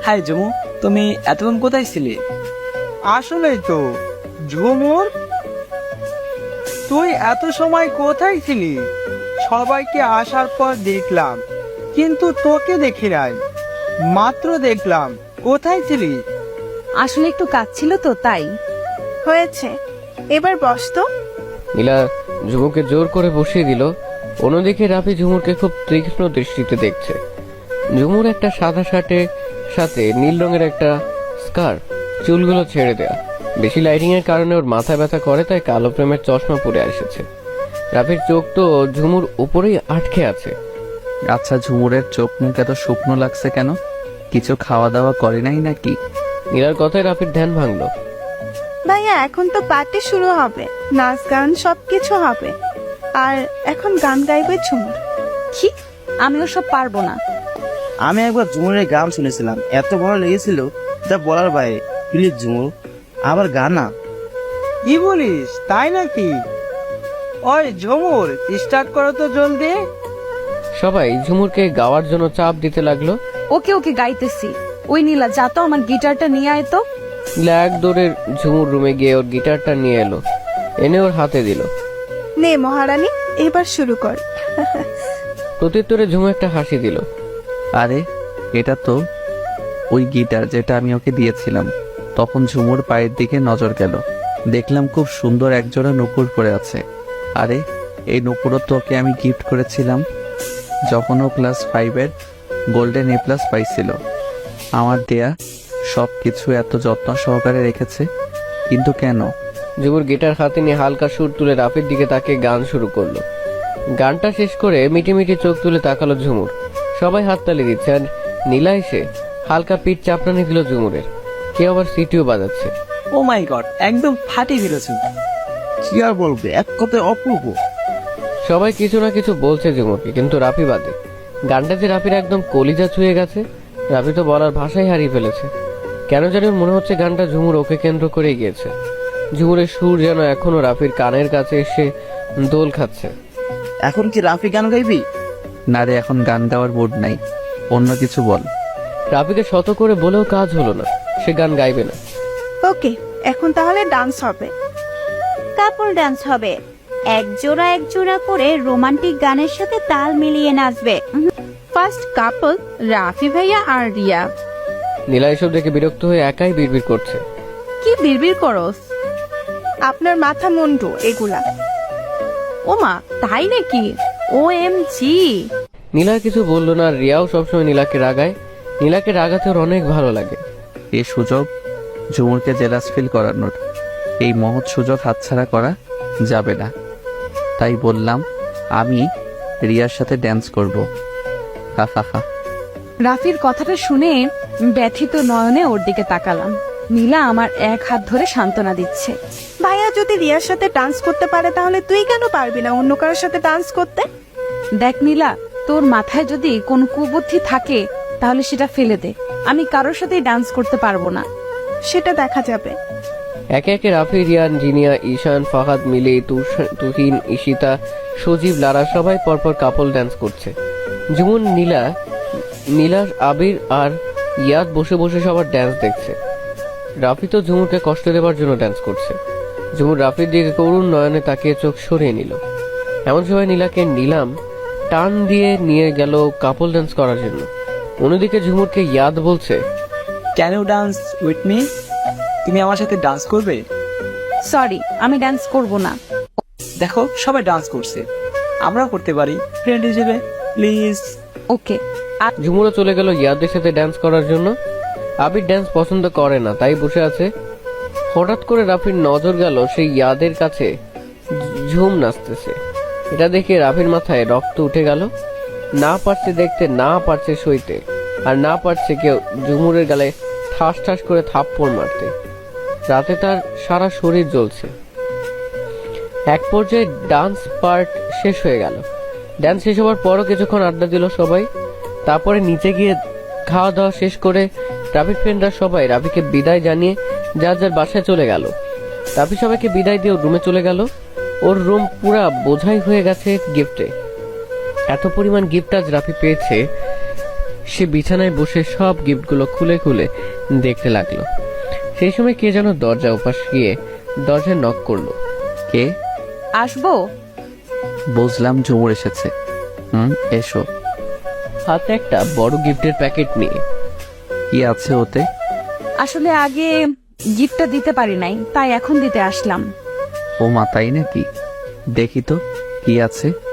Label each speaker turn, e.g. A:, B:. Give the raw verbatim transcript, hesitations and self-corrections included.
A: High জমু, তুমি এতক্ষণ কোথায় ছিলে?
B: আসলেই তো ঝুমুর, তুই এত সময় কোথায় ছিলি? সবাইকে আসার পর দেখলাম, কিন্তু তোকে দেখি নাই। মাত্র দেখলাম, কোথায় ছিলি?
C: আসলে একটু কাজ ছিল তো তাই।
D: হয়েছে, এবার বস তো।
E: নীলা ঝুমুরকে জোর করে বসিয়ে দিল। অন্যদিকে রাফি ঝুমুরকে খুব তীক্ষ্ণ দৃষ্টিতে দেখছে। ঝুমুর একটা সাদা শার্টের সাথে নীল রঙের একটা স্কার্ফ, চুলগুলো ছেড়ে দেয়া। বেশি লাইটিং এর কারণে ওর মাথা ব্যথা করে, তাই কালো প্রেমের চশমা পরে এসেছে। রাফির চোখ তো ঝুমুর উপরেই আটকে আছে।
F: আচ্ছা, ঝুমুরের চোখ মুখ এত শুকনো লাগছে কেন? কিছু খাওয়া দাওয়া করে নাই নাকি?
E: নীলার কথায় রাফির ধ্যান ভাঙলো।
D: ভাইয়া, এখন তো পার্টি শুরু হবে, নাচ গান সবকিছু হবে, আর এখন গান গাইবে ঝুমুর।
C: কি? আমি ওসব পারবো না।
G: আমি একবার ঝুমুরের গান শুনেছিলাম, এত ভালো লেগেছিল যা বলার বাইরে। প্লিজ ঝুমুর, আবার গানা।
B: কি বলিস, তাই নাকি? ওই ঝুমুর, স্টার্ট করো তো জলদি।
E: সবাই ঝুমুরকে গাওয়ার জন্য চাপ দিতে লাগলো।
C: ওকে ওকে গাইতেছি। ওই নীলা, যা তো আমার গিটারটা নিয়ে আয় তো।
E: নীলা এক দৌড়ে ঝুমুর রুমে গিয়ে ওর গিটারটা নিয়ে এলো, এনে ওর হাতে দিল।
D: নে মহারানী, এবার শুরু কর।
E: প্রত্যুত্তরে ঝুমু একটা হাসি দিল।
F: আরে, এটা তো ওই গিটার যেটা আমি ওকে দিয়েছিলাম। তখন ঝুমুর পায়ের দিকে নজর গেল, দেখলাম খুব সুন্দর একজোড়া নুপুর পরে আছে। আরে, এই নুপুরও তো ওকে আমি গিফট করেছিলাম যখন ও ক্লাস ফাইভের গোল্ডেন এ প্লাস পাইছিল। আমার দেয়া সব কিছু এত যত্ন সহকারে রেখেছে, কিন্তু কেন?
E: ঝুমুর গিটার হাতে নিয়ে হালকা সুর তুলে রাফির দিকে তাকে গান শুরু করলো। গানটা শেষ করে মিটি মিটি চোখ তুলে তাকালো ঝুমুর। সবাই হাততালি দিচ্ছে, আর নীলা এসে হালকা পিঠ চাপড়ানি দিল ঝুমুরের। কেউ আবার সিটিও বাজাচ্ছে।
A: ও মাই গড, একদম ফাটিয়ে ফেলেছো।
G: কি আর বলবে, এক কথায় অপূর্ব।
E: সবাই কিছু না কিছু বলছে ঝুমুরকে, কিন্তু রাফি বাদে। গানটা যে রাফির একদম কলিজা ছুঁয়ে গেছে। রাফি তো বলার ভাষাই হারিয়ে ফেলেছে। কেন জানি ওর মনে হচ্ছে গানটা ঝুমুর ওকে কেন্দ্র করে গিয়েছে। ঝুমুরের সুর যেন এখনো রাফির কানের কাছে এসে দোল খাচ্ছে।
G: এখন কি রাফি গান গাইবি?
F: না রে, এখন গান গাওয়ার মুড নাই, অন্য কিছু বল।
E: রাফিকে শত করে বলেও কাজ হলো না, সে গান গাইবে না।
D: ওকে, এখন তাহলে ডান্স হবে।
H: কাপল ডান্স হবে, এক জোড়া এক জোড়া করে রোমান্টিক গানের সাথে তাল মিলিয়ে নাচবে।
C: ফার্স্ট কাপল রাফি ভাইয়া আর রিয়া।
E: নীলা এসব দেখে বিরক্ত হয়ে একাই বিড়বিড় করছে।
C: কি বিড়বিড় করস?
D: আপনার মাথা মুন্ডু এগুলা।
C: ওমা, তাই নাকি? ও এম জি।
E: নীলা কিছু বললো না, আর রিয়াও সবসময় নীলাকে রাগায়। নীলাকে রাগাতে ওর অনেক ভালো লাগে।
F: এই সুযোগ ঝুমুরকে জেলাস ফিল করানোর, এই মহৎ সুযোগ হাতছাড়া করা যাবে না। তাই বললাম আমি রিয়ার সাথে ড্যান্স করব। হা হা হা।
C: রাফির কথাটা শুনে ব্যথিত নয়নে ওর দিকে তাকালাম। নীলা আমার এক হাত ধরে সান্ত্বনা দিচ্ছে।
D: ভাইয়া যদি রিয়ার সাথে ডান্স করতে পারে, তাহলে তুই কেন পারবি না অন্য কারোর সাথে ডান্স করতে?
C: দেখ নীলা, তোর মাথায় যদি কোন কুবুদ্ধি থাকে তাহলে সেটা ফেলে দে। আমি কারোর সাথেই ডান্স করতে পারবো না।
D: সেটা দেখা যাবে।
E: একে একে রাফি, রিয়ান, জিনিয়া, ঈশান, ফাহাদ, মিলি, তুষ- তুহিন, ঈশিতা, সজীব, লারা সবাই পরপর কাপল ডান্স করছে। যেমন নীলা, নীলার, আবির আর ইয়াদ বসে বসে সবার ডান্স দেখছে। রাফি তো ঝুমুরকে কষ্ট দেওয়ার জন্য ডান্স করছে। ঝুমুর রাফির দিকে করুণ নয়নে তাকিয়ে চোখ সরিয়ে নিল। এমন সময় নীলাকে নিলাম টান দিয়ে নিয়ে গেল কাপল ডান্স করার জন্য। অন্যদিকে ঝুমুরকে ইয়াদ বলছে,
A: can you dance with me? তুমি আমার সাথে ডান্স করবে?
C: সরি, আমি ডান্স করব না।
A: দেখো, সবাই ডান্স করছে, আমরাও করতে পারি ফ্রেন্ড হিসেবে, প্লিজ।
C: ওকে।
E: ঝুমুরও চলে গেল ইয়াদের সাথে ডান্স করার জন্য। আবির ডান্স পছন্দ করে না, তাই বসে আছে। হঠাৎ করে রাফির নজর গেল সেই ইয়াদের কাছে, ঝুম নাচতেছে। এটা দেখে রাফির মাথায় রক্ত উঠে গেল। না পারছে দেখতে, না পারছে সইতে, আর না পারছে কেউ ঝুমুরের গালে ঠাস ঠাস করে থাপ্পড় মারতে। রাতে তার সারা শরীর জ্বলছে। এক পর্যায়ে ডান্স পার্ট শেষ হয়ে গেল। ডান্স শেষ হওয়ার পরও কিছুক্ষণ আড্ডা দিল সবাই। তারপরে নিচে গিয়ে খাওয়া দাওয়া শেষ করে রাফির ফ্রেন্ডরা সবাই রাফিকে বিদায় জানিয়ে যার যার বাসায় চলে গেল। রাফি সবাইকে বিদায় দিয়ে রুমে চলে গেল। ওর রুম পুরা বোঝাই হয়ে গেছে গিফটে। এত পরিমাণ গিফট আজ রাফি পেয়েছে সে বিছানায় বসে সব গিফটগুলো খুলে খুলে দেখতে লাগলো। সেই সময় কে যেন দরজা উপাস গিয়ে দরজায় নক করলো।
F: কে?
C: আসবো?
F: বুঝলাম ঝুমুর এসেছে। হুম, এসো।
E: হাতে একটা বড় গিফটের প্যাকেট নিয়ে।
F: কি আছে ওতে?
C: আসলে আগে গিফটটা দিতে পারি নাই, তাই এখন দিতে আসলাম।
F: ও মা, তাই নাকি? দেখি তো কি আছে।